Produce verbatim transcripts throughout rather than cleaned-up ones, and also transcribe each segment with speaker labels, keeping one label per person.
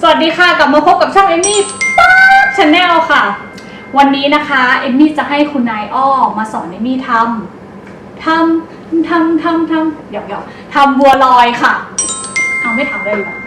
Speaker 1: สวัสดีค่ะกลับมาพบกับช่องเอมมี่ป๊าชาแนลค่ะวันนี้นะคะเอมมี่จะให้คุณนายอ้อมาสอนเอมมี่ทำทำทำทำทำเดี๋ยวเดี๋ยวทำบัวลอยค่ะเอาไม่ถามเลยเหรอ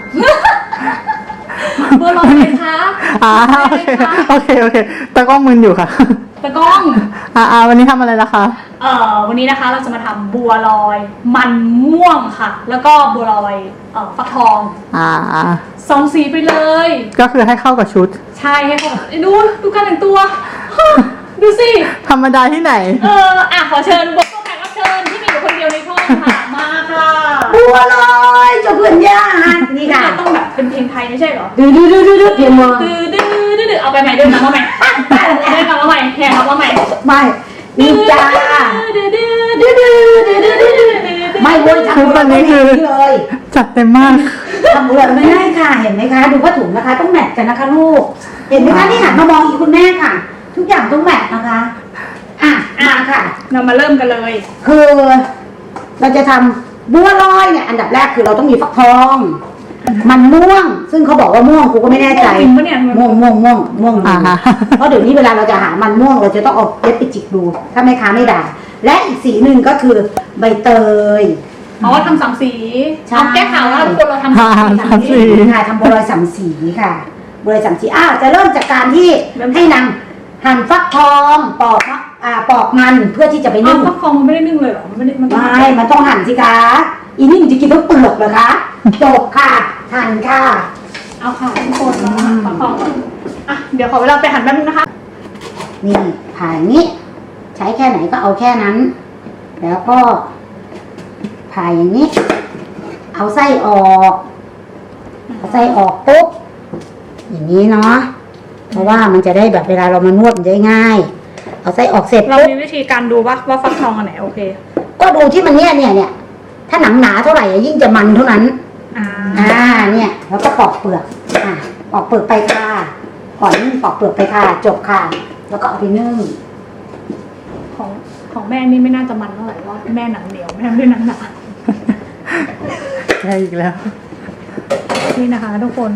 Speaker 1: บัวลอยไหมคะ
Speaker 2: อ่าโอเคโอเคโอเคตะกล้องมึนอยู่ค่ะ
Speaker 1: ตะกล้อง
Speaker 2: อ่าอ่าวันนี้ทำอะไรล่ะคะ
Speaker 1: เอ่อวันนี้นะคะเราจะมาทำบัวลอยมันม่วงค่ะแล้วก็บัวลอยเอ่อฟักทอง
Speaker 2: อ่า
Speaker 1: สองสีไปเลย
Speaker 2: ก็คือให้เข้ากับชุด
Speaker 1: ใช่ให้เข้ากับดูดูการแต่งตัวดูสิ
Speaker 2: ธรรมดาที่ไหน
Speaker 1: เอออ่ะขอเชิญบทแขกรับเชิญที่มีอยู่คนเดียวในช่องค่ะมาค่ะ
Speaker 3: บัวลอยเจ้าเพื่อนยากนี่ค่ะ
Speaker 1: ต้องแบบเป็นเพลงไทยไม่ใช่เหรอ
Speaker 3: ดื้อดื้อดื้อดื้อเพลงมือ
Speaker 1: ดื้อดื้อดื้อดื้อเอาไปใหม่เดินมาใหม่เดินมาใหม่แข่งมาใหม่
Speaker 3: ไม่นี่จ้า
Speaker 1: ดื้อดื้อดื้อดื้อดื้อดื้อดื้อดื้อ
Speaker 3: ไม่เว้ยทำบัวไม่คือเลย
Speaker 2: จัดเต็มมาก
Speaker 3: ทำบัวไม่ได้ค่ะเห็นไหมคะดูผ้าถุงนะคะต้องแมทกันนะคะลูกเห็นไหมคะนี่หันมามองอีกคุณแม่ค่ะทุกอย่างต้องแมทนะคะอ่ะมาค่ะ
Speaker 1: เรามาเริ่มกันเลย
Speaker 3: คือเราจะทำบัวลอยเนี่ยอันดับแรกคือเราต้องมีฟักทองมันม่วงซึ่งเขาบอกว่าม่วงกูก็ไม่แน่ใจม่วงม่วงม่วงม่วงเพราะเดี๋ยวนี้เวลาเราจะหามันม่วงเราจะต้องเอาเล็บไปจิกดูถ้าแม่ค้าไม่ด่าและอีกสีหนึ่งก็คือใบเตย
Speaker 1: อ๋อทำสามสีเอาแก้ข่าวว่าทุกคนเราทำ
Speaker 2: สามสี
Speaker 3: ค่ะทำบัวลอยสามสีค่ะบัวลอยสามสีอ้าวจะเริ่มจากการที่ให้นางหั่นฟักทองปอกอ่าปอกมันเพื่อที่จะไปนึ่ง
Speaker 1: ฟักทองมันไม่ได้นึ่งเลยหรอมันไม่ได้มัน
Speaker 3: ไม่มันต้องหั่นสิคะอีนี่มันจะกินทั้งเปลือกเหรอคะจบค่ะหั่นค่ะ
Speaker 1: เอาค่ะทุกคนเราฟักทองอ่ะเดี๋ยวขอเวลาไปหั่นแป๊บนึงนะคะ
Speaker 3: นี่ผ่าอย่างนี้ใช้แค่ไหนก็เอาแค่นั้นแล้วก็ผ่าอย่างนี้เอาไส้ออกเอาไส้ออกปุ๊บอย่างนี้เนาะเพราะว่ามันจะได้แบบเวลาเรามานวดมันจะง่ายเอาไส้ออกเสร็จ
Speaker 1: เรามีวิธีการดูว่าว่าฟักทองอันไหนโอเค
Speaker 3: ก็ดูที่มันเนี่ยเนี่ยเนี่ยถ้าหนังหนาเท่าไหร่ยิ่งจะมันเท่านั้น
Speaker 1: อ่า
Speaker 3: อ่าเนี่ยแล้วก็ปอกเปลือกอ่าปอกเปลือกไปค่ะก่อนนึ่งปอกเปลือกไปค่ะจบค่ะแล้วก็เอาไปนึ่ง
Speaker 1: ของของแม่นี่ไม่น่าจะมันเท่าไหร่ว่าแม่หนังเหนียวแม่ไม่ได้หนังหนา
Speaker 2: ใช่อีกแล้ว
Speaker 1: นี่นะคะทุกคน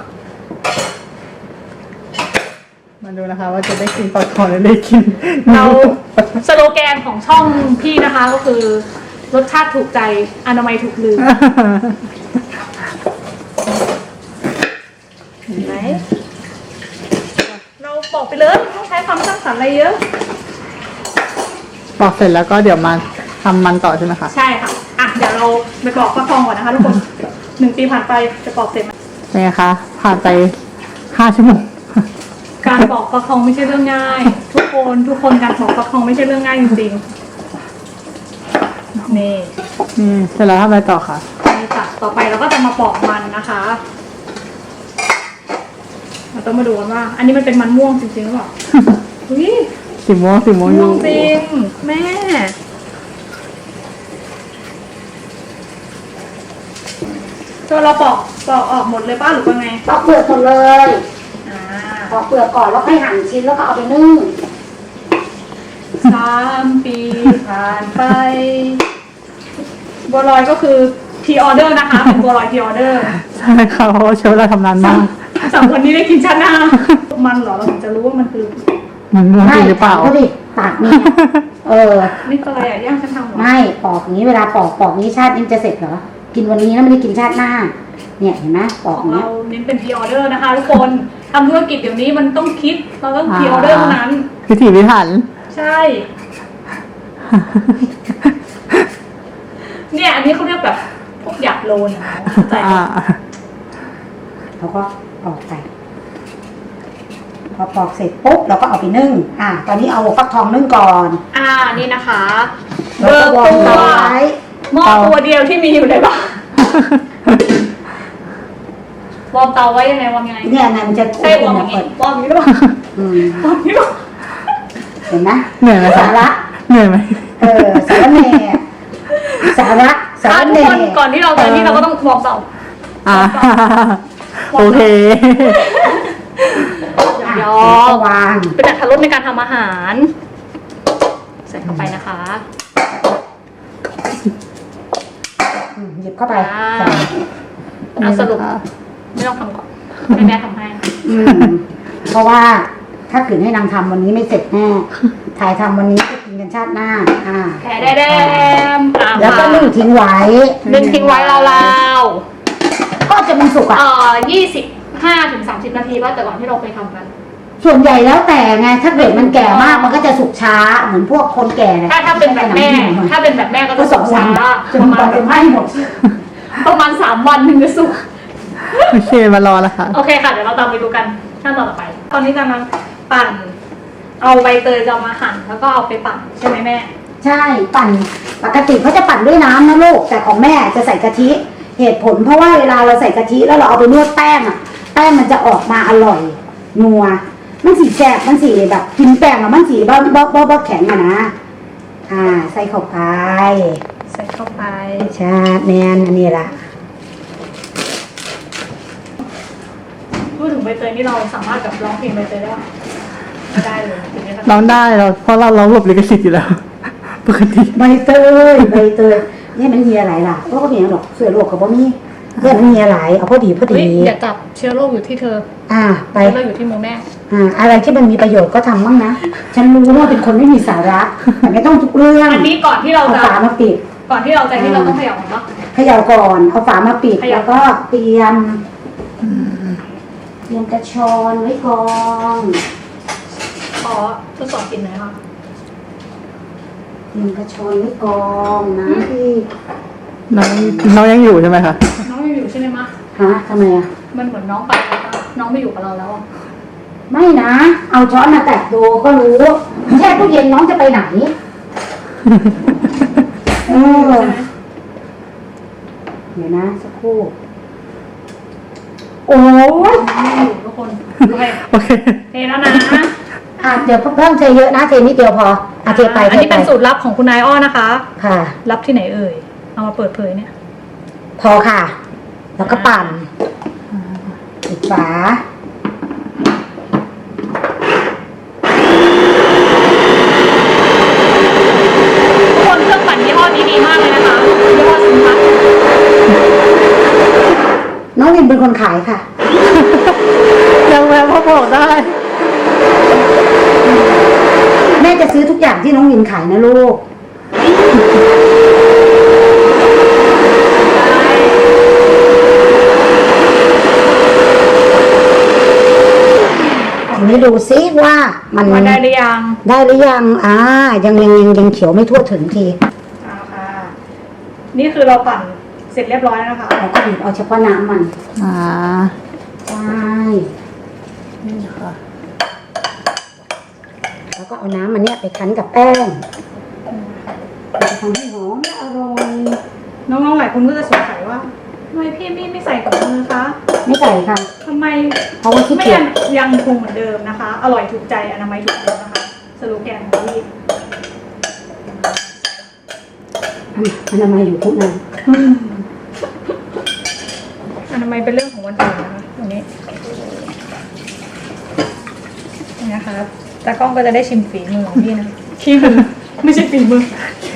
Speaker 2: มาดูนะคะว่าจะได้กินปลาทองหรือได้กิน
Speaker 1: เราสโลแกนของช่องพี่นะคะก็คือรสชาติถูกใจอนามัยถูกลืมเห็นไหมเราบอกไปเลยต้องใช้ความสร้างสรรค์อะไรเยอะ
Speaker 2: บอกเสร็จแล้วก็เดี๋ยวมาทำมันต่อใช่ไหมคะ
Speaker 1: ใช่ค่ะอ่ะเดี๋ยวเราไปปอกฟักทองก่อนนะคะทุกคนหนึ่งปีผ่านไปจะปอกเสร็จไหม
Speaker 2: เป็นไงคะผ่านไปห้าชั่วโมง
Speaker 1: การปอกฟักทองไม่ใช่เรื่องง่ายทุกคนทุกคนการปอกฟักทองไม่ใช่เรื่องง่ายจริงๆนี่
Speaker 2: นี่เสร็จแล้วทำอะไรต่อคะ
Speaker 1: นี่ค่ะต่อไปเราก็จะมาปอกมันนะคะเราต้องมาดูกันว่าอันนี้มันเป็นมันม่วงจริงๆหรือเปล่าอุ้ย
Speaker 2: สีม่วงสีม่วง
Speaker 1: ม่วงจริงแม่ตัวเราปอกปอกออกหมดเลยป้าหรือว่าไง
Speaker 3: ปอกเปลือกหมดเลยปอกเปลือกก่อนแล้วค่อยหั่นชิ้นแล้วก็เอาไปนึ่ง
Speaker 1: สามปีผ่านไปบัวลอยก็คือพรีออเดอร์นะคะเป็นบัวลอยพรีออเดอร์
Speaker 2: ใช่ค่ะเพราะว่าเชลเราทำนานมาก
Speaker 1: สามคนนี้ได้กินชาติหน้ามันเหรอเราถึงจะรู้ว่ามันคือ
Speaker 2: มันม่วงจริงหรือเปล่า
Speaker 3: ก็ดิตากนี่เออ
Speaker 1: นี่อะไรอ่ะย่างฉันทำหรอ
Speaker 3: ไม่ปอกอย่างนี้เวลาปอกปอกนี้ชาตินี้จะเสร็จเหรอกินวันนี้แล้วไม่ได้กินชาติหน้าเนี่ยเห็นไหมปอก
Speaker 1: ของ
Speaker 3: เรา
Speaker 1: เน้นเป็นพรีออเดอร์นะคะทุกคนทำธุรกิจเดี๋ยวนี้มันต้องคิดเราต้องพรีออเดอร์เท่านั้น
Speaker 2: พิถีพิถัน
Speaker 1: ใช่เนี่ยอันนี้เขาเรียกแบบพวกหยาบโลนเข้าใจไหม
Speaker 3: เขาก็ปอกไปพอปอกเสร็จปุ๊บเราก็เอาไปนึ่งอ่าตอนนี้เอาฟักทองนึ่งก่อน
Speaker 1: อ่านี่นะคะเบอร์ตัวหม้อตัวเดียวที่มีอยู่ในบ้านวอร์มเตาไว้ยังไงวอร์มยังไง
Speaker 3: เนี่ยมันจะ
Speaker 1: ใช่วอร์มอย่างนี้วอร์มอย่างนี้หรือเปล่าอืมวอร์มอย่างนี้หรอ
Speaker 3: เห็นไหม
Speaker 2: เหนื่อยไหม
Speaker 3: สาระ
Speaker 2: เหนื่อยไหม
Speaker 3: เออสาระเนสาระสาระเน
Speaker 1: ก่อนที่เราจะนี่เราก็ต้องวอร์มเตา
Speaker 2: อ่าโอเค
Speaker 1: ยอวางเป็นอัตรสในการทำอาหารใส่เข้าไปนะคะ
Speaker 3: หยิบเข้าไป
Speaker 1: เอาสรุปไม่ต้องทำก่อนให้แม่ทำให้
Speaker 3: อืมเพราะว่าถ้าขืนให้นางทำวันนี้ไม่เสร็จแน่ถ่ายทำวันนี้ก็กินกันชาติหน้า อ่า
Speaker 1: แผ่ได้แดมอ่ะ
Speaker 3: แล้วก็นึ่งทิ้งไว้
Speaker 1: นึ่งทิ้งไว้ราว
Speaker 3: ก็จะมันสุก
Speaker 1: ๆ
Speaker 3: อ่ะ
Speaker 1: เอ่อยี่สิบห้าถึงสามสิบนาทีป่ะแต่ก่อนที่เราเคยทำกัน
Speaker 3: ส่วนใหญ่แล้วแต่ไงถ้าเกิดมันแก่มากมันก็จะสุกช้าเหมือนพวกคนแก่เนี่ย
Speaker 1: ถ้าถ้าเป็นแบบแม่ ถ้าเป็นแบบแม่ก็
Speaker 3: ก็
Speaker 1: จะ
Speaker 3: ส
Speaker 1: สุ
Speaker 3: อง
Speaker 1: ก
Speaker 3: วั
Speaker 1: ช้าน
Speaker 3: จน
Speaker 1: ประ
Speaker 3: ก
Speaker 1: มา
Speaker 3: ว่า
Speaker 1: ณ
Speaker 3: จะไหม้หมด
Speaker 1: ประมาณสามวันถึงจะสุก
Speaker 2: โอเคมารอแล้วค่ะ
Speaker 1: โอเคค่ะ เดี๋ยวเราตามไปดูกันขั้นตอนต่อไป ตอนนี้กำลังปั่น เอาใบเตยจะเอามาหั่นแล้วก็เอาไปปั่นใช่ไหมแม่
Speaker 3: ใช่ปั่นปกติเขาจะปั่นด้วยน้ำนะลูกแต่ของแม่จะใส่กะทิเหตุผลเพราะว่าเวลาเราใส่กะทิแล้วเราเอาไปนวดแป้งอ่ะแป้งมันจะออกมาอร่อยนัวมันสีแสบมันสีแบบกินแป้งแล้วมันสีบ้าบ้าบ้าบ้าแข็งอะนะอ่าใส่เข้าไป
Speaker 1: ใส่เข้าไป
Speaker 3: ใช่แมนอันนี้ละ
Speaker 1: พูดถึงใบเตยนี่เราสามารถแบบร้องเพลงใบเตยได้ปะไม่ได้เลยถึงนี้
Speaker 2: ร้องได้เราเพราะเราเราหลบลิขสิทธิ์อยู่แล้ว ปกติ
Speaker 3: ใบเตยใบเตยนี่มันเฮียหลายล่ะก็ก็มีหรอกเสือโลกกับบ่มีเพื่อนมันเฮียหลายเอาพอดีพอ
Speaker 1: เฮ้
Speaker 3: ดี
Speaker 1: ยอย่าจับเชื้อโรคอยู่ที่เธอ
Speaker 3: อ่าไป
Speaker 1: เชื้อโรคอยู่ที่มือแม่
Speaker 3: อ่าอะไรที่มันมีประโยชน์ก็ทำบ้างนะ ฉันรู้ว่าเป็นคนไม่มีสาระ แต่ไม่ต้องทุกเรื่อง
Speaker 1: อันนี้ก่อนที่เรา
Speaker 3: เอา
Speaker 1: จะ
Speaker 3: ฝามาปิด
Speaker 1: ก่อนที่เราจะที่เราต้องเขย่าก่อนปะ
Speaker 3: เขย่าก่อน เอาฝามาปิด
Speaker 1: เขย่า
Speaker 3: แล้วก็เตรียมเตรียมกระชอนไว้ก่อน
Speaker 1: ขอทดสอบกลินหน่อยค่ะ
Speaker 3: เตรียมกระชอนไว้ก่อนนะพี่
Speaker 2: น้องน้องยังอยู่ใช่ไหมคะ
Speaker 1: น้องยังอยู่ใช่ไหมมะ
Speaker 3: ฮะทำไมอ่ะ
Speaker 1: มันเหมือนน้องไปแล้วปะน้องไม่อยู่กับเราแล้วอะ
Speaker 3: ไม่นะ เอาช้อนมาแตะดูก็รู้แช่ตู้เย็นน้องจะไปไหนเออ
Speaker 1: ใช่ไหม
Speaker 3: เดี๋ยวนะสักครู่ โอ้ย
Speaker 1: ไม่อยู่ทุกคนโอเค
Speaker 2: โอเค
Speaker 1: เทแล้วนะ
Speaker 3: อ่ะเดี๋ยวเพิ่มเทเยอะนะเทนิดเดียวพออ่ะเทไป
Speaker 1: อัน
Speaker 3: เท
Speaker 1: นี้
Speaker 3: ไป
Speaker 1: เป็นสูตรลับของคุณนายอ้อนะคะ
Speaker 3: ค่ะ
Speaker 1: รับที่ไหนเอ่ย เอามาเปิดเผยเนี่ย
Speaker 3: พอค่ะ แล้วก็ปั่นปิดฝา
Speaker 1: ทุกคนเครื่องปั่นยี่ห้อนี้ดีมากเลยนะคะยี่ห้อซิมพัท
Speaker 3: น้องวินเป็นคนขายค่ะ
Speaker 2: ยังแวะพ่อบอกได้
Speaker 3: แม่จะซื้อทุกอย่างที่น้องวินขายนะลูก ทีนี้ดูซิว่ามัน
Speaker 1: มาได้หรือยัง
Speaker 3: ได้หรือยัง อ่า ยังยังยังยังเขียวไม่ทั่วถึงที
Speaker 1: อ่าค่ะ นี่คือเราปั่นเสร็จเรียบร้อยแล้วนะคะ
Speaker 3: เราก็บีบเอาเฉพาะน้ำมัน
Speaker 2: อ่า
Speaker 3: ใช่
Speaker 2: นี่ค่ะ
Speaker 3: แล้วก็เอาน้ำมันเนี่ยไปคั้นกับแป้งมันจะทำให้หอมและอร่อย
Speaker 1: น้องๆหลายคนก็จะสงสัยว่าทำไมพี่มี่ไม่ใส่กับมือคะ
Speaker 3: ไม่ใส่ค่ะ
Speaker 1: ทำไม
Speaker 3: เพราะว่าขี้
Speaker 1: ไม่
Speaker 3: เกีย
Speaker 1: ยั
Speaker 3: จ
Speaker 1: งยังคงเหมือนเดิมนะคะ อร่อยถูกใจอนามัยถูกใจนะคะ สโลแกนของพี่
Speaker 3: อนามัยอยู่ทุกนั้น
Speaker 1: อนามัยเป็นเรื่องของวันอื่นนะคะตรงนี้นี่นะคะตากล้องก็จะได้ชิมฝีมือของพี่นะขี้มือไม่ใช่ฝีมือ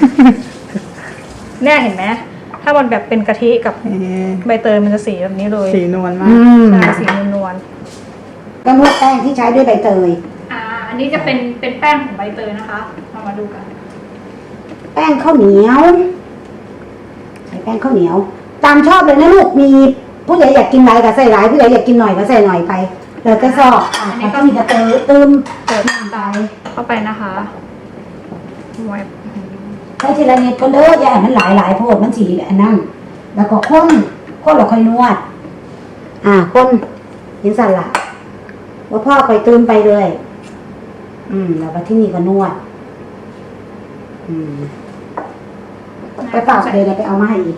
Speaker 1: แน่เห็นไหมถ้ามันแบบเป็นกะทิกับ
Speaker 2: นี่
Speaker 1: ใบเตยมันจะสีแบบนี้เลย
Speaker 2: สีนวลมา
Speaker 3: อื
Speaker 2: ก
Speaker 3: ม
Speaker 1: ใช่สีนวล
Speaker 3: ก็นวดแป้งที่ใช้ด้วยใบเตย
Speaker 1: ๆอ่า อันนี้จะเป็นเป็นแป้งของใบเตยนะคะเรามาดูกัน
Speaker 3: แป้งข้าวเหนียวใส่แป้งข้าวเหนียว ตามชอบเลยนะลูก มีผู้ใหญ่อยากกินหลายก็ใส่หลายผู้ใหญ่อยากกินหน่อยก็ใส่หน่อยไปแล้วก็ชอบอ่ะอันนี้ก็มีกระเตยตืม
Speaker 1: เปิดน้ำไปเข้าไปนะคะแวบ
Speaker 3: ใช้ทีละนิดก็เด้ออย่าให้มันหลายหลายโพดมันสีอันนั้นแล้วก็ข้นข้นเราค่อยนวด อ่าข้นยินสั่นละว่าพ่อค่อยตืมไปเลย อืม แล้วก็ที่นี่ก็นวด อืม ไปฝากเลยเดี๋ยวไปเอามาให้อีก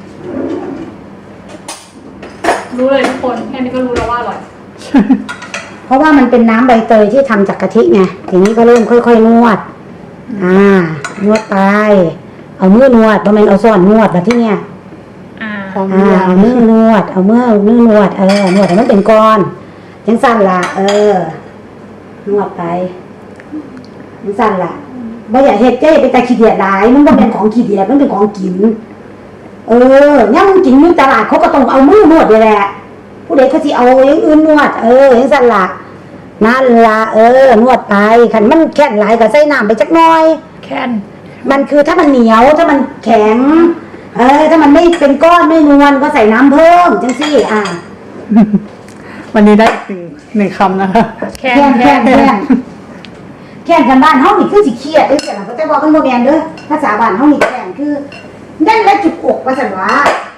Speaker 1: รู้เลยทุกคนแค่นี้ก็รู้แล้วว่าอร่อย
Speaker 3: เพราะว่ามันเป็นน้ำใบเตยที่ทำจากกะทิไง ทีนี้ก็เริ่มค่อยๆนวด อ่า นวดไป เอามือนวดประมาณเอาส่วนนวดแบบที่เนี่ย
Speaker 1: อ่า
Speaker 2: พร้อม
Speaker 3: อ่า เอามือนวด เอามือมือนวด เออ นวดให้มันเป็นก้อนยังสั่นละเออ นวดไปยังสั่นละบ่อยากเฮ็ดเจ้ไปแต่ขี้เดียดหลาย มันบ่เป็นของขี้เดียดมันเป็นของกิน เออเนี่ยมึงกินอยู่ตลาดเขาก็ต้องเอามือนวดนี่แหละ ผู้ผู้ใดเขาสิเอาอย่างอื่นนวดเอออย่างสั่นละนั่นละเออนวดไปขันมันแข็งหลายก็ใส่น้ำไปจักหน่อย
Speaker 1: แค่น
Speaker 3: มันคือถ้ามันเหนียวถ้ามันแข็งเออถ้ามันไม่เป็นก้อนไม่นวลก็ใส่น้ำเพิ่มจังซี่อ่ะ
Speaker 2: วันนี้ได้อีกหนึ่งหนึ่งคำนะคะ
Speaker 1: แค่
Speaker 3: แค่
Speaker 1: น
Speaker 3: นแค่นแค่นแค่นกันบ้านเฮานี่คือสิเครียดเอ้ยแต่หลังก็จะบอกกันบ่แม่นเด้อภาษาบ้านเฮานี่แค่นคือนั่นแหละจุกอกว่าซั่นว่า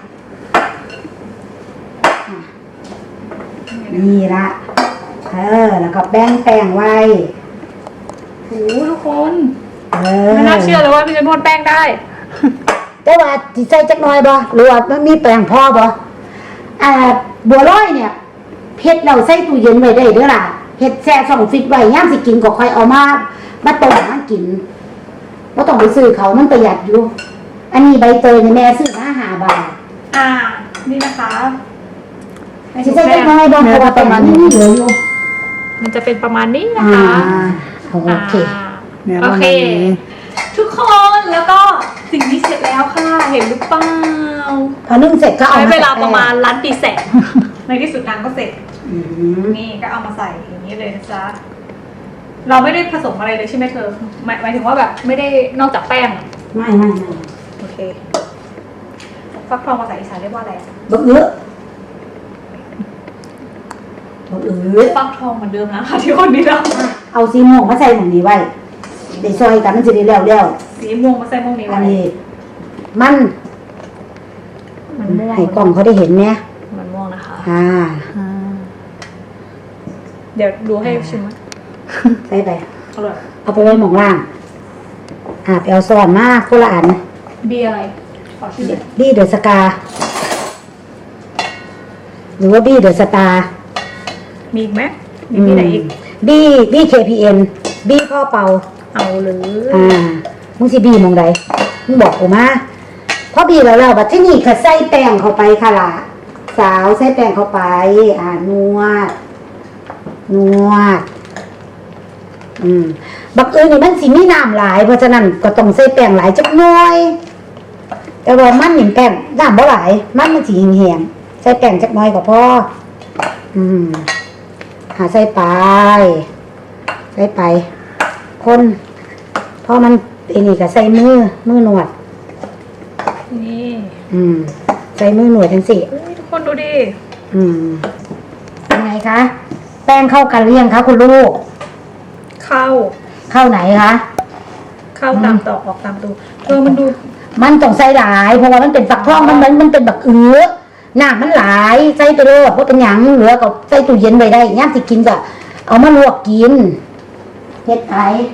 Speaker 3: นี่ละเออแล้วก็แป้งแป้งไว้
Speaker 1: โอ้ทุกคน
Speaker 3: เออ
Speaker 1: ไม่น่าเชื่อเลยว่าพี่จะนวดแป้งได้
Speaker 3: แต่ว่าสิใส่จักหน่อยบ่หรือว่ามันมีแป้งพอบ่อ่าบัวลอยเนี่ยเฮ็ดแล้วใส่ตู้เย็นไว้ได้เด้อล่ะเฮ็ดแช่ช่องฟิตไว้ยามสิกินก็ค่อยเอามามาต้มมากินบ่ต้องไปซื้อเขามันประหยัดอยู่ อันนี้ใบเตยเนี่ยแม่ซื้อมาห้าบาท
Speaker 1: อ่า นี่นะคะ
Speaker 3: สิใส่จักหน่อยบ่เพราะว่าประมาณนี้เหลืออยู่
Speaker 1: มันจะเป็นประมาณนี้นะ
Speaker 3: อ่า
Speaker 1: คะ
Speaker 3: โอเค
Speaker 1: อ่า
Speaker 2: เนี่ย
Speaker 1: โอ
Speaker 2: ประ
Speaker 1: เค
Speaker 2: มาณนี้
Speaker 1: ทุกคนแล้วก็สิ่งนี้เสร็จแล้วค่ะ เห็นหรือเปล่า
Speaker 3: พอนึ่งเสร็จก็เอา
Speaker 1: ใช้
Speaker 3: มา
Speaker 1: เวลาประมาณล้านปีแสน ในที่สุดนางก็เสร็จ
Speaker 3: อืม
Speaker 1: นี่ก็เอามาใส่อย่างนี้เลยนะจ๊ะ เราไม่ได้ผสมอะไรเลยใช่ไหมเธอหมายหมายถึงว่าแบบไม่ได้นอกจากแป้ง
Speaker 3: ไม่ไม่ไม่
Speaker 1: โอเค ฟักทองภาษาอีสานเรียกว่าอะไร
Speaker 3: บ่เอื้อบ่เอื้อ
Speaker 1: ฟักทองเหมือนเดิมนะคะที่คนนี้เรา
Speaker 3: เอาซีโม่วงมาใส่หม่องนี้ไว้ได้ซอยกันมันจะได้แล้วแล้ว
Speaker 1: สีม่วงมาใส่ม่วงนี้
Speaker 3: อั
Speaker 1: ไว้
Speaker 3: นนี้มัน
Speaker 1: มันม่วง
Speaker 3: ให้กล้องเขาได้เห็นเนี่ย
Speaker 1: มันม่วงนะคะ
Speaker 3: อ่า
Speaker 2: อ่า
Speaker 1: เดี๋ยวดูให้ชิมไหม
Speaker 3: ใส่ไป
Speaker 1: อร่อย
Speaker 3: เอาไปไว้หม่องล่าง อ่าไปเอาซ่อนมาคนละอัน
Speaker 1: บีอะไร ขอชื่อหน่อย
Speaker 3: บี้เดอะสกา หรือว่าบี้เดอะสตาร์
Speaker 1: มีอีกไหมมีที่ไหนอีก
Speaker 3: บี้บี้เคพีเอ็นบี้พ่อเป่า
Speaker 1: เอาเลย
Speaker 3: อ่า มึงสิบี้หมองใดมึงบอกกูมาพอบี้แล้วแล้วบัดที่นี่ค่ะใส่แป้งเข้าไปค่ะล่ะ สาวใส่แป้งเข้าไป อ่านวด นวด อืม บักเอิญนี่มันสิมีน้ำหลาย เพราะฉะนั้นก็ต้องใส่แป้งหลายจักหน่อย แต่ว่ามันหนึ่งแป้งน้ำบ่หลาย มันมันสิแห้งๆใส่แป้งจักหน่อยก็พอ อืม หาใส่ไป ใส่ไป คนพอมันไอ้นี่ก็ใส่มือ มือหนวด
Speaker 1: นี่
Speaker 3: อืม ใส่มือหนวดทั้งสี่
Speaker 1: เฮ้ยทุกคนดูดิ
Speaker 3: อืมเป็นไงคะ แป้งเข้ากันหรือยังคะคุณลูก
Speaker 1: เข้า
Speaker 3: เข้าไหนคะ
Speaker 1: เข้าตามตอกออกตามตูเออมันดู
Speaker 3: มันต้องใส่หลาย เพราะว่ามันเป็นฝักทองมันมันมันเป็นแบบเอื้อหน้ามันหลายใส่ไปเลยเพราะเป็นหยังเหลือก็ใส่ตู้เย็นไว้ได้ย่ามสิกินก็เอามาลวกกินเฮ็ดไป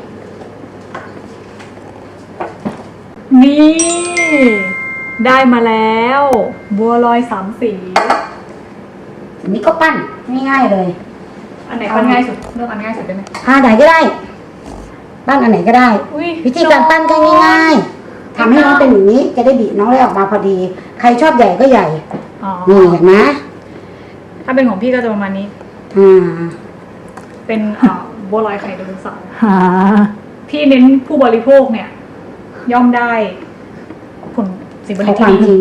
Speaker 1: นี่ ได้มาแล้ว บัวลอยสามสี
Speaker 3: อันนี้ก็ปั้นง่ายๆเลย
Speaker 1: อันไหนปั้นง่ายสุดเลือกอันง่ายสุดได้ไหม
Speaker 3: อ่าไหนก็ได้ ปั้นอันไหนก็ได้
Speaker 1: อุ้ย
Speaker 3: วิธีการปั้นก็ง่ายๆทำให้น้องเป็นอย่างนี้ จะได้บีบน้องได้ออกมาพอดี ใครชอบใหญ่ก็ใหญ่
Speaker 1: อ๋อ
Speaker 3: นี่เห็นไหม
Speaker 1: ถ้าเป็นของพี่ก็จะประมาณนี้
Speaker 3: อ่า
Speaker 1: เป็นเอ่อบัวลอยไข่ไดโนเสาร์
Speaker 2: หา
Speaker 1: พี่เน้นผู้บริโภคเนี่ย ย่อมได้ ผลสิ่งบ
Speaker 3: ข
Speaker 1: ริ
Speaker 3: อ
Speaker 1: โภ
Speaker 3: ความจริง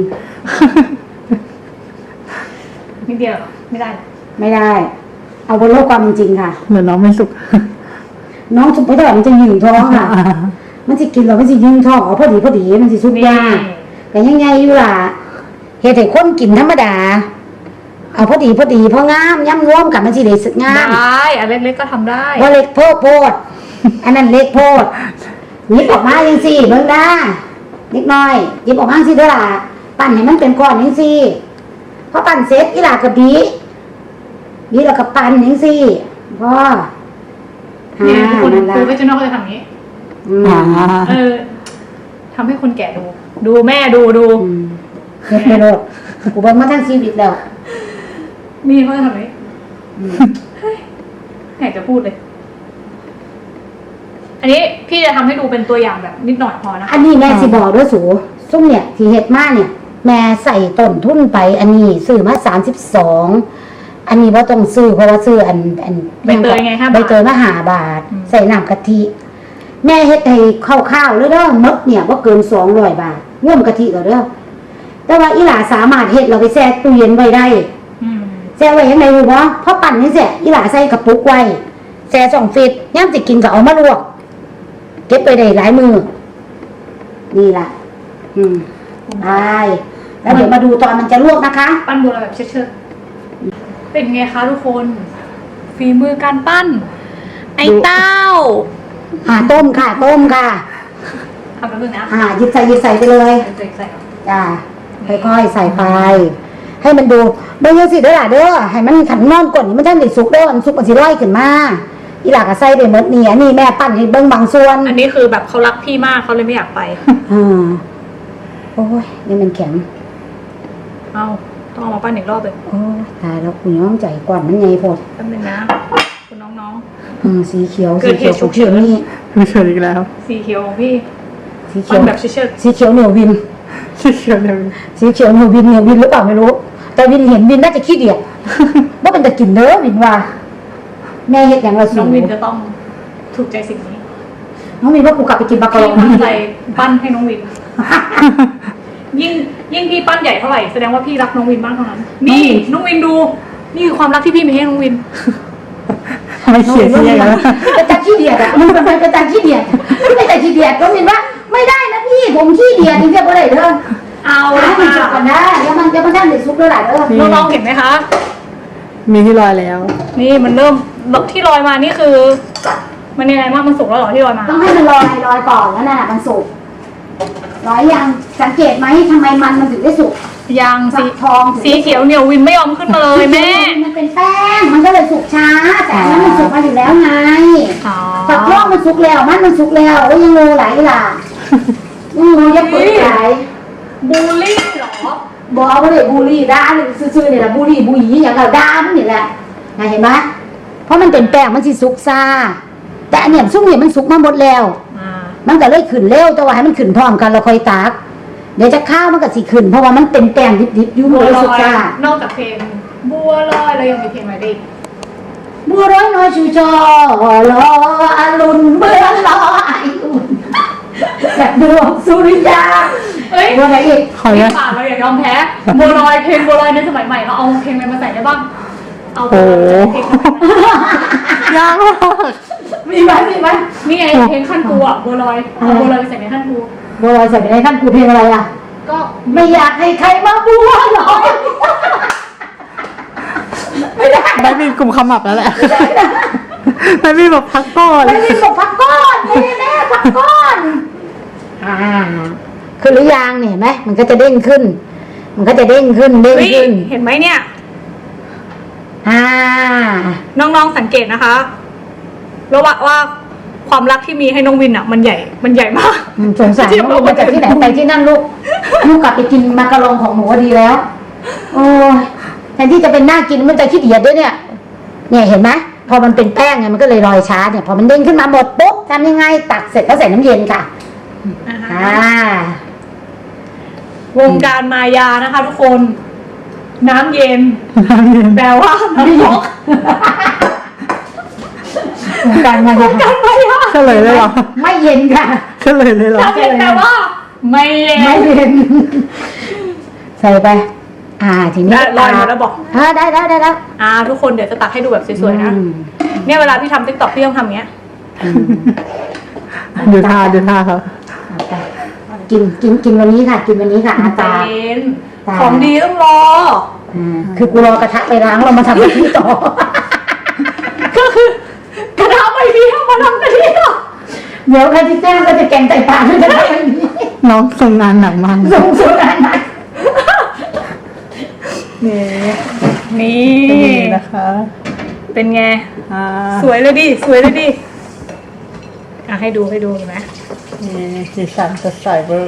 Speaker 1: นิดเดียวเหรอไม่ได้เหรอ
Speaker 3: ไม่ได้ เอาบนโลกความเป็นจริงค่ะ
Speaker 2: เหมือนน้องไม่สุก
Speaker 3: น้องสุกไปเท่าไหร่มันจะยืงท้องค่ะ มันจะกินแล้วมันจะยืงท้องเอาพอดีพอดีมันจะสุกยากแต่ยังไงอยู่ล่ะเฮ็ดให้คนกินธรรมดา เอาพอดีพอดีพองามย่ำร่วมกับมันสิได้สึกงาม
Speaker 1: ได้อันเล็กๆก็ทำได้
Speaker 3: ว่าเล็กโพดโพด อันนั้นเล็กโพดหยิบออกมาจังสิเบิ่งได้เล็กน้อยหยิบออกมาสิเด้อล่ะปั่นให้มันเป็นก้อนจังสิพอปั่นเสร็จอีหล่ะก็บีบีแล้วก็ปั่นจังสิพ่อ
Speaker 1: เนี่ยทุกคน
Speaker 3: นั่นล่ะ
Speaker 1: คือเวจินอลเขาจะทำอย่างนี้
Speaker 3: อืม
Speaker 2: อ่า
Speaker 1: เออทำให้คนแก่ดู ดูแม่ดูดู
Speaker 3: อืมเฮ็ดไม่โลดกูเบิ่งมาทั้งชีวิตแล้ว
Speaker 1: นี่เขาจะทำอย่างนี้
Speaker 3: อืม
Speaker 1: อยากจะพูดเลย อันนี้พี่จะทำให้ดูเป็นตัวอย่างแบบนิดหน่อยพอนะคะ
Speaker 3: อันนี้แม่สิบอกเด้วยสูซุ่มเนี่ยที่เฮ็ดมาเนี่ย แม่ใส่ต้นทุนไป อันนี้ซื้อมาสามสิบสองอันนี้ว่าต้องซื้อเพราะว่าซื้ออันอัน
Speaker 1: ใบเตยไงห้าบาท
Speaker 3: ใบเตยมาหาบาท
Speaker 1: อืม
Speaker 3: ใส่น้ำกะทิ แม่เฮ็ดให้ข้าวๆเลยเด้อมดเนี่ยบ่เกินสองร้อยบาทร่วมกะทิก็เด้อแต่ว่าอีหลาสามารถเฮ็ดเราไปแช่ตู้เย็นไว้ได้
Speaker 1: อืม
Speaker 3: แช่ไว้ยังไงรู้บ่พอปั่นนี่เสร็จอีหลาใส่กระปุกไว้แช่สองฟิตย่ามสิกินก็เอามาลวกเก็บไปได้หลายมือนี่ล่ะ อืมได้แล้วเดี๋ยวมาดูตอนมันจะลวกนะคะ
Speaker 1: ปั้นบัวลอยแบบเชิดๆเป็นไงคะทุกคนฝีมือการปั้น ไอ้เต้า
Speaker 3: อ่าต้มค่ะ ต้มค่ะ
Speaker 1: ทำแป๊บนึงนะ
Speaker 3: อ่าหยิบใส่หยิบใส่ไปเลย
Speaker 1: เดี๋ยวใส่ก่อน
Speaker 3: จ้าค่อยๆใส่ไปให้มันดูเบิ่งจังซี่เด้อล่ะเด้อให้มันขันนอนก่อนนี่มันท่านได้สุกเด้อมันสุกมันสิลอยขึ้นมาอีหลาก็ใส่ไปหมดนี่อันนี้แม่ปั้นให้เบิ่งบางส่วน
Speaker 1: อันนี้คือแบบเขารักพี่มากเขาเลยไม่อยากไป
Speaker 3: อ่าโอ้ยนี่มันแข็ง
Speaker 1: เอาต้องเอามาปั้นอีกรอบเลย
Speaker 3: โอ้ยตายแล้วคุณย้อมใจก่อนมันไงโพด
Speaker 1: แป๊บนึงนะคุณน้อง
Speaker 3: อืมสีเขียว
Speaker 1: เกิ
Speaker 3: สี
Speaker 1: ดเห
Speaker 3: เขียว
Speaker 1: ตุฉุ
Speaker 3: ฉุ
Speaker 1: ก
Speaker 3: ก
Speaker 1: เฉิ
Speaker 3: เฉิ
Speaker 1: น
Speaker 3: นนี่
Speaker 2: ไม่เชิญอีกแล้ว
Speaker 1: ๆสีเขียวของพี่
Speaker 3: สีเขี
Speaker 1: ปั้
Speaker 3: ย
Speaker 1: น
Speaker 3: ว
Speaker 1: แบบเชิด
Speaker 3: สีเขียวเหนียววิน
Speaker 2: ที่เชียวเนี่ย
Speaker 3: สีเขียวเหนียววินเหนียววินหรือเปล่าไม่รู้ แต่วินเห็นวินน่าจะขี้เดียด ว่าเป็นแต่กลิ่นเด้อวินว่าแม่เฮ็ดอย่างละ
Speaker 1: ๆ
Speaker 3: สู
Speaker 1: น้องวินจะต้องถูกใจสิ่งนี้
Speaker 3: น้องวินว่ากูกลับไปกินปลากระ
Speaker 1: พี่
Speaker 3: ลง
Speaker 1: ตั้งใจปั้นให้น้องวิน ยิ่งยิ่งพี่ปั้นใหญ่เท่าไหร่แสดงว่าพี่รักน้องวินมากเท่านั้น นี่น้องวินดู นี่คือความรักที่พี่มีให้น้องวิน
Speaker 2: ไม่เขียนที่ยังไงนะ
Speaker 3: เป็นตาขี้เดียดอะมันเป็นเป็นตาขี้เดียดเป็นตาขี้เดียดน้องวินว่าไม่ได้นะพี่ผมขี้เดียดจริงๆบ่ได้เด้อ
Speaker 1: เอา
Speaker 3: เอา
Speaker 1: ละ
Speaker 3: ให้มัน
Speaker 1: ค่ะ
Speaker 3: สุกก่อนได้เดี๋ยวมันเดี๋ยวมันได้เดือดซุปแล้วหล่ะเด้อ
Speaker 1: น้องๆเห็นไหมคะ
Speaker 2: มีที่ลอยแล้ว
Speaker 1: นี่มันเริ่มที่ลอยมานี่คือ มันยังไงบ้างมันสุกแล้วเหรอที่ลอยมา
Speaker 3: ต้องให้มันลอยลอยก่อนแล้วน่ะมันสุกลอยยังสังเกตไหมทำไมมันมันถึงได้สุก
Speaker 1: ยางสี
Speaker 3: ทอง
Speaker 1: สีเขียวเหนียววินไม่ยอมขึ้นมาเลยแม่
Speaker 3: มันเป็นแป้งมันก็เลยสุกช้า แต่อันนั้นมันสุกมาอยู่แล้วไง
Speaker 1: อ๋อ
Speaker 3: ฝักทองมันสุกแล้วมันมันสุกแล้วโอ้ยยังงูไหลล่ะยังงูยังเปิดไหล
Speaker 1: บูลลี่เหรอ
Speaker 3: บอกว่าเลยบูลลี่ด่าเลยซื่อๆเนี่ยแหละบูลลี่บูหยีอย่างเราด่ามันนี่แหละนะเห็นไหมเพราะมันเป็นแป้งมันสิสุกซ่าแต่อันเนี้ยซุกเนี่ยมันสุกมาหมดแล้ว
Speaker 1: อ่า
Speaker 3: มันก็เลยขึ้นเร็วแต่ว่าให้มันขึ้นพร้อมกันเราค่อยตากเดี๋ยวจะข้าวมันก็สิขึ้นเพราะว่ามันเป็นแป้งดิบๆอยู่
Speaker 1: บัว
Speaker 3: เลย
Speaker 1: ล
Speaker 3: สุก
Speaker 1: อย
Speaker 3: ซ่าน
Speaker 1: อกจากเพลงบัวลอยเรายังมีเพลงอะไรอีก
Speaker 3: บัวร้อยน้อยชูจอรออรุณเมื่อรอไออุ่นแบบดวงสุริยา
Speaker 1: เอ้ย
Speaker 3: บัวอะไรอีก
Speaker 2: ขออนุญาต
Speaker 1: ป่าเราอย่ายอมแพ้บัวลอยเพลงบัวลอยในสมัยใหม่เราเอาเพลงอะไรมาใส่ได้บ้างเอา
Speaker 2: โอ้
Speaker 1: เพลงอะไรมาใส่
Speaker 2: ยากมาก
Speaker 3: มีไหมมีไหม
Speaker 1: นี่ไงเพลงขั้นกูอ่ะบัวลอยเอาบัวลอยไปใส่ในขั้นกู
Speaker 3: บัวลอยใส่ไปในท่านกูเพลงอะไรอ่ะ
Speaker 1: ก็
Speaker 3: ไม่อยากให้ใครมาบัวลอยไม่ได้
Speaker 2: ไม่มีกลุ่มขมับแล้วแหละไม่มีแบบพักก่อน
Speaker 3: ไม่มีบอกพักก้อนไม่ได้แม่พักก้อนอ่าคือหรือยังเนี่ยเห็นไหมมันก็จะเด้งขึ้น มันก็จะเด้งขึ้นเด้ง
Speaker 1: เฮ้ย
Speaker 3: ขึ้น
Speaker 1: เห็นไหมเนี่ย
Speaker 3: อ่า
Speaker 1: น้องๆสังเกตนะคะแล้วว่าว่าความรักที่มีให้น้องวินอ่ะ มันใหญ่มันใหญ่มาก
Speaker 3: อืมสงสารน้องลูกมาจากที่ไหนไปที่นั่นลูกลูกกลับไปกินมากระลองของหนูดีแล้ว โอ้ยแทนที่จะเป็นหน้ากินมันจะขี้เดียดด้วยเนี่ย เนี่ยเห็นไหมพอมันเป็นแป้งไงมันก็เลยลอยช้าเนี่ยพอมันเด้งขึ้นมาหมดปุ๊บทำยังไงตักเสร็จแล้วใส่น้ำเย็นค่ะ
Speaker 1: อ่าฮะ
Speaker 3: อ่า
Speaker 1: วงการมายานะคะ ทุกคน น้ำเย็นแปลว่าน้ำยก
Speaker 3: วงการมายา
Speaker 1: การมายา
Speaker 2: เฉลยเลยเหรอ
Speaker 3: ไม่เย็นค่ะ
Speaker 2: เฉลยเลยเหรอ
Speaker 1: น้ำเย็นแปลว่า ไม่เย็น
Speaker 3: ไม่เย็น ใส่ไป อ่า ทีนี้
Speaker 1: ได้ลอยหมดแล้วบอก
Speaker 3: อ่าได้ได้ได้แล้ว
Speaker 1: อ่า ทุกคนเดี๋ยวจะตักให้ดูแบบสวยๆนะ
Speaker 3: อืม
Speaker 1: เนี่ยเวลาพี่ทำติ๊กต็อกพี่ต้องทำอย่างเงี้ย
Speaker 3: อืม
Speaker 2: ดูท่าดูท่าครับ
Speaker 3: เอาไปกินกินกินวันนี้ค่ะ กินวันนี้ค่ะอา
Speaker 1: ใจ
Speaker 3: ตา
Speaker 1: เย็น
Speaker 3: ตา
Speaker 1: ของดีต้องรอ
Speaker 3: อ่าคือกูรอกระทะไปล้างเรามาทำแบบนี้ต่อ
Speaker 1: ก็คือกระทะใบเดียวมาทำกันเดียว
Speaker 3: เดี๋ยวใครที่แจ้งก็จะแกงไตปลาด้วยกันแบบนี้
Speaker 2: น้องทรงงานหนักมาก
Speaker 3: ส่งสุดอันนั้น
Speaker 2: นี่
Speaker 1: นี่
Speaker 2: เป็นอย่างนี้นะคะ
Speaker 1: เป็นไง
Speaker 2: อ่า
Speaker 1: สวยเลยดิ สวยเลยดิ อ่ะให้ดูให้ดูเห็นไหม
Speaker 2: นี่สีสันสดใสเบอร์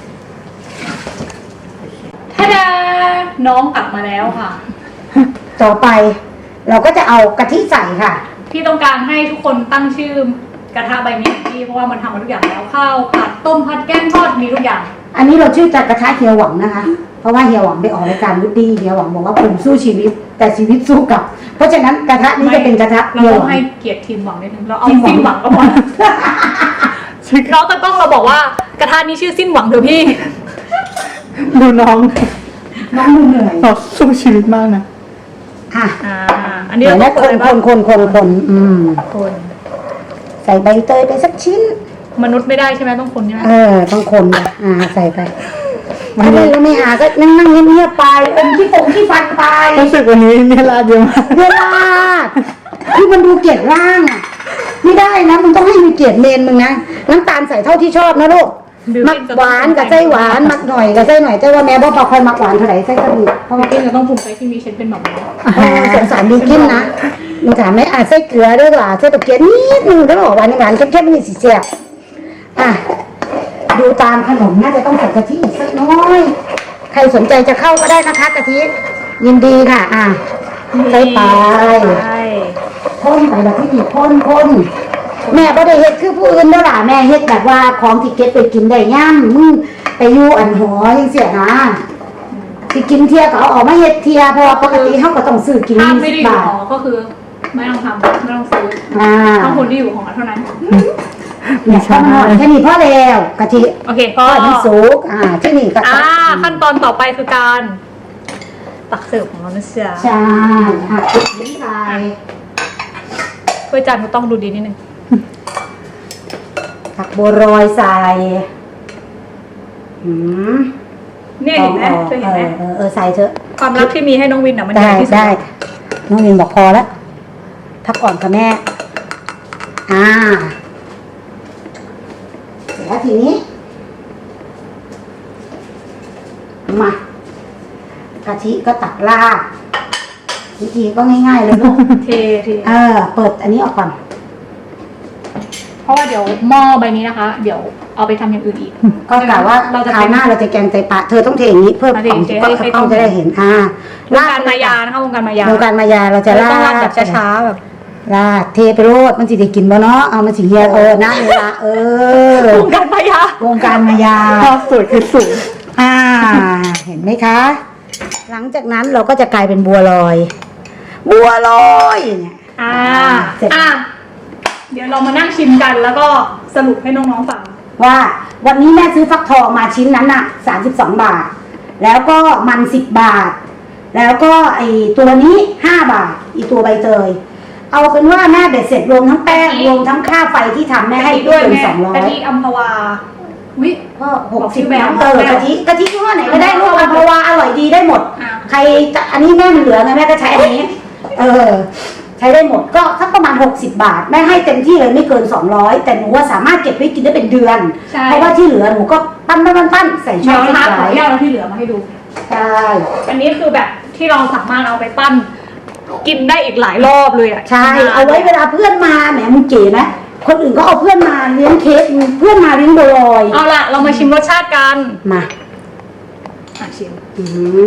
Speaker 1: ท่าดาน้องกลับมาแล้วค่ะ
Speaker 3: ต่อไป เราก็จะเอากะทิใส่ค่ะ
Speaker 1: พี่ต้องการให้ทุกคนตั้งชื่อกระทะใบนี้พี่เพราะว่ามันทำมาทุกอย่างแล้วข้าวผัดต้มผัดแกงทอดมีทุกอย่าง
Speaker 3: อันนี้เราชื่อจากกระทะเฮียหวังนะคะ เพราะว่าเฮียหวังไปออกรายการวุฒิเฮียหวังบอกว่าผมสู้ชีวิต แต่ชีวิตสู้กลับ เพราะฉะนั้นกระทะนี้จะเป็นกระทะ
Speaker 1: เรา
Speaker 3: เฮีย
Speaker 1: ต้
Speaker 3: ห
Speaker 1: อง
Speaker 3: วัง
Speaker 1: ให้เกียรติทีมหวังนิดนึงเราเอา
Speaker 3: ทีมหวัง
Speaker 1: สิ้นหวังก็พอน้องตะกล้องเราบอกว่ากระทะนี้ชื่อสิ้นหวังเถอะพี่
Speaker 2: ดูน้อง
Speaker 3: น้องดูเหนื่อย
Speaker 2: เราสู้ชีวิตมากนะ
Speaker 3: อ่ะ
Speaker 1: อ่า อันนี้
Speaker 3: เดี๋ยว
Speaker 1: เรา
Speaker 3: นะ
Speaker 1: ต้อง
Speaker 3: คนคนคนคนคนอืม
Speaker 1: คน
Speaker 3: ใส่ใบเตยไปสักชิ้น
Speaker 1: มนุษย์ไม่ได้ใช่ไหมต้องคนใช่ไหม
Speaker 3: เออต้องคนอ่ะอ่าใส่ไปถ้าเล่นแล้วไม่หาก็นั่งนั่งเงียบๆไปอมที่ฟงที่ฟันไป
Speaker 2: รู้สึกวันนี้เนี่ยลาดเยอะมาก
Speaker 3: เวลาคือมันดูเกลียดร่างอ่ะไม่ได้นะมึงต้องให้มีเกียรติเมนมึงนะน้ำตาลใส่เท่าที่ชอบนะลูกมักหวานกับไส้หวานมักหน่อยกับไส้หน่อยแต่ว่าแม่บอกพอคอยมักหวานเท่าไหร่ไส้ก็ดีเพราะ
Speaker 1: บิ
Speaker 3: ว่า
Speaker 1: วกินจะต้องภูมิใจที่มีเชนเป็นหมอม
Speaker 3: เออสงสารบิวกินนะมึงถามไหมอ่ะไส้เกลือด้วยล่ะไส้ตะเกียบนิดนึงแล้วบอกหวานหวานเข้มๆนี่สิเสียบอ่ะดูตามขนมน่าจะต้องใส่กะทิอีกสักน้อย ใครสนใจจะเข้าก็ได้นะคะกะทิยินดีค่ะ อ่ะใส่ไป
Speaker 1: ใช่
Speaker 3: พ่นไปแบบที่ดีพ่นพ่นแม่ก็ได้เฮ็ดคือผู้อื่นเด้อล่ะแม่เฮ็ดแบบว่าของที่เก็บไปกินได้ย่ำมึงไปอยู่อันหอยังเสียนะสิกินเทียก็เอาออกมาเฮ็ดเทียเพราะว่าปกติเขาก็ต้องซื้อกิน
Speaker 1: ถ้า
Speaker 3: ยี่
Speaker 1: ไม่
Speaker 3: สิ
Speaker 1: ได้
Speaker 3: บ
Speaker 1: อยู่
Speaker 3: บาท
Speaker 1: หอก็คือ ไม่ต้องทำไม่ต้องซื้อ
Speaker 3: อ่า
Speaker 1: ต้องคนที่อยู่หอเท่านั้น
Speaker 3: เนี่ยก็มันหอดแค่นี้พอแล้วกะทิ
Speaker 1: โอเคพอ
Speaker 3: ทอดมันสุกอ่าที่นี่ก็
Speaker 1: อ่าขั้นตอนต่อไปคือการตักเสิร์ฟของเรานะเสีย
Speaker 3: ใช่ค่ะนี่ใส่
Speaker 1: ถ้วยจานก็ต้องดูดีนิดนึง
Speaker 3: ผักบัวรอยใส่อืม
Speaker 1: เนี่ยเห็นไหมเคยเห็นไหม
Speaker 3: เออเออใส่เถอะ
Speaker 1: ความรักที่มีให้น้องวินอ่ะมันให
Speaker 3: ได้
Speaker 1: ญ่ที่สุด
Speaker 3: ได้น้องวินบอกพอแล้วพักก่อนค่ะแม่ อ่าเสร็จแล้วทีนี้ มากะทิก็ตักราดวิธีก็ง่ายๆเลยลูก
Speaker 1: เทเท
Speaker 3: เออ เปิดอันนี้ออกก่อน
Speaker 1: เพราะว่าเดี๋ยวหม้อใบนี้นะคะ เดี๋ยวเอาไปทำอย่างอื่นอีก
Speaker 3: ก็กะว่า
Speaker 1: เราจะ
Speaker 3: คราวหน้าเราจะแกงไตปลาเธอต้องเทอย่างนี้เพื่อ
Speaker 1: มาเท
Speaker 3: ของ
Speaker 1: เท
Speaker 3: ก็
Speaker 1: ให้ให้
Speaker 3: ต้องจะได้เห็นอ่าว
Speaker 1: งการมายานะคะวงการมายาว
Speaker 3: งการมายาเราจะ
Speaker 1: เรา
Speaker 3: รา
Speaker 1: ต้องราด
Speaker 3: ด
Speaker 1: แบบช้าๆแบบ
Speaker 3: ราดเทไปโรดมันสิได้กินบ่เนาะเอามันสิเฮียเออนะเวลาเออ
Speaker 1: วงการมายาว
Speaker 3: งการมายา
Speaker 2: ภาพสวยคือสูง
Speaker 3: อ่า เห็นไหมคะ หลังจากนั้นเราก็จะกลายเป็นบัวลอย บัวลอยเนี่ย
Speaker 1: อ่า
Speaker 3: เสร็จ
Speaker 1: อ่ะเดี๋ยวเรามานั่งชิมกันแล้วก็สรุปให้น้องๆฟัง
Speaker 3: ว่าวันนี้แม่ซื้อฟักทองมาชิ้นนั้นน่ะสามสิบสองบาท แล้วก็มันสิบบาท แล้วก็ไอตัวนี้ห้าบาท อีตัวใบเตย เอาเป็นว่าแม่เบ็ดเสร็จรวมทั้งแป้งรวมทั้งค่าไฟที่ทำแม่ให้
Speaker 1: ด้
Speaker 3: ด้
Speaker 1: ว
Speaker 3: วย ยเป็น
Speaker 1: แม่
Speaker 3: สองร้อย
Speaker 1: กะทิอัมพวาวิ
Speaker 3: ก็ห
Speaker 1: บอก
Speaker 3: ก
Speaker 1: ชื่
Speaker 3: สิบ
Speaker 1: อแบรนด์
Speaker 3: เออกะทิกะทิยี่ห้อไหนก็ได้ลูกอัมพวาอร่อยดีได้หมด
Speaker 1: อ่ะ
Speaker 3: ใครจะอันนี้แม่มันเหลือไงแม่ก็ใช้อันนี้ เออ ใช้ได้หมดก็สักประมาณหกสิบบาทแม่ให้เต็มที่เลยไม่เกินสองร้อยแต่หนูว่าสามารถเก็บไว้กินได้เป็นเดือน
Speaker 1: ใช่
Speaker 3: เพราะว่าที่เหลือหนูก็ปั้นปั้นปั้นปั้นใส่ช่
Speaker 1: เดี๋
Speaker 3: อ
Speaker 1: ยว
Speaker 3: ง
Speaker 1: นะคะขอ
Speaker 3: ไว้
Speaker 1: อนุญาตเอาที่เหลือมาให้ดู
Speaker 3: ใช่
Speaker 1: อันนี้คือแบบที่เราสามารถเอาไปปั้น กินได้อีกหลายรอบเลยอ่ะ
Speaker 3: ใช่เอาไว้เวลาเพื่อนมาแหมมึงเก๋ไหมคนอื่นก็เอาเพื่อนมาเลี้ยงเค้กเพื่อนมาเลี้ยงบัวลอย
Speaker 1: เอาล่ะ เรามาชิมรสชาติกัน
Speaker 3: มา
Speaker 1: อ่ะชิม
Speaker 3: อืม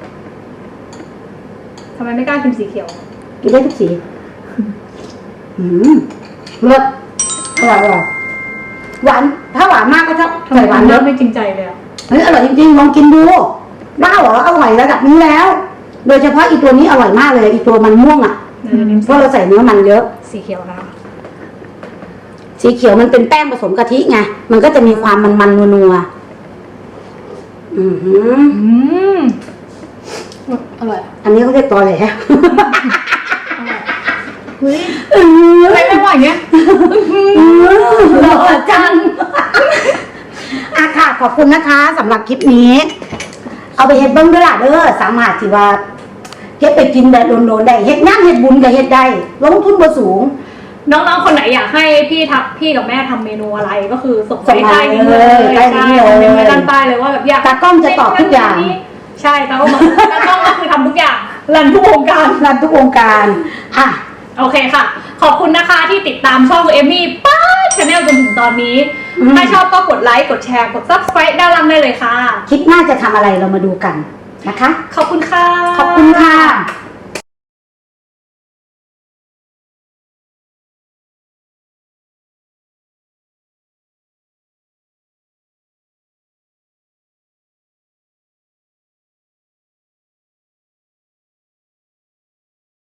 Speaker 1: ทำไมไม่กล้าชิมสีเขียว
Speaker 3: กินได้ทุกสีอืมเลิศอร่อยอร่อยหวานถ้าหวานมากก็ชอบ
Speaker 1: ทำไม
Speaker 3: ใส่หวานเย
Speaker 1: เริ่
Speaker 3: อะ
Speaker 1: มไม่จริงใจเลยอ่ะ
Speaker 3: เฮ้ยอร่อยจริงๆลองกินดูบ้าเหรออร่อยระดับนี้แล้ว โดยเฉพาะอีตัวนี้อร่อยมากเลยอีตัวมันม่วงอ่ะ
Speaker 1: เดี๋ยวนี้
Speaker 3: เพราะเราใส่เนื้อมันเยอะ
Speaker 1: สีเขียวนะคะ
Speaker 3: สีเขียวมันเป็นแป้งผสมกะทิไงมันก็จะมีความมันๆนัวๆอือหือ
Speaker 1: อืมอร่อย
Speaker 3: อันนี้เขาเรียกตอแหล
Speaker 1: เฮ้ย
Speaker 3: เออ
Speaker 1: ไม่ไม่ไหวเงี้ย
Speaker 3: หล่อจังอ่ะค่ะขอบคุณนะคะสำหรับคลิปนี้ เอาไปเฮ็ดเบิ้งด้วยล่ะเด้อสามารถที่ว่าเฮ็ดไปกินแบบโดนๆได้เฮ็ดงานเฮ็ดบุญก็เฮ็ดได้ลงทุนบ่สูง
Speaker 1: น้องๆ คนไหนอยากให้พี่ทักพี่กับแม่ทำเมนูอะไรก็คือส่ง
Speaker 3: ส่ง
Speaker 1: ไป
Speaker 3: มา
Speaker 1: ใต้นี้เลย
Speaker 3: ใต้นี้เลย
Speaker 1: คอมเมนต์ไว้ด้านใต้เลยว่าแบบอยาก
Speaker 3: ตากล้องจะตอบทุกอย่าง
Speaker 1: ใช่ตากล้องบอกตากล้องก็คือทำทุกอย่างรันทุกวงการ
Speaker 3: รันทุกวงการอ่ะ
Speaker 1: โอเคค่ะ ขอบคุณนะคะที่ติดตามช่องเอมมี่ป้าชาแนลจนถึงตอนนี้
Speaker 3: อืม
Speaker 1: ถ้าชอบก็กดไลค์กดแชร์กด ซับสไครบ์ด้านล่างได้เลยค่ะ
Speaker 3: คลิปหน้าจะทำอะไรเรามาดูกันนะคะ
Speaker 1: ขอบคุณค่ะ
Speaker 3: ขอบคุณค่ะ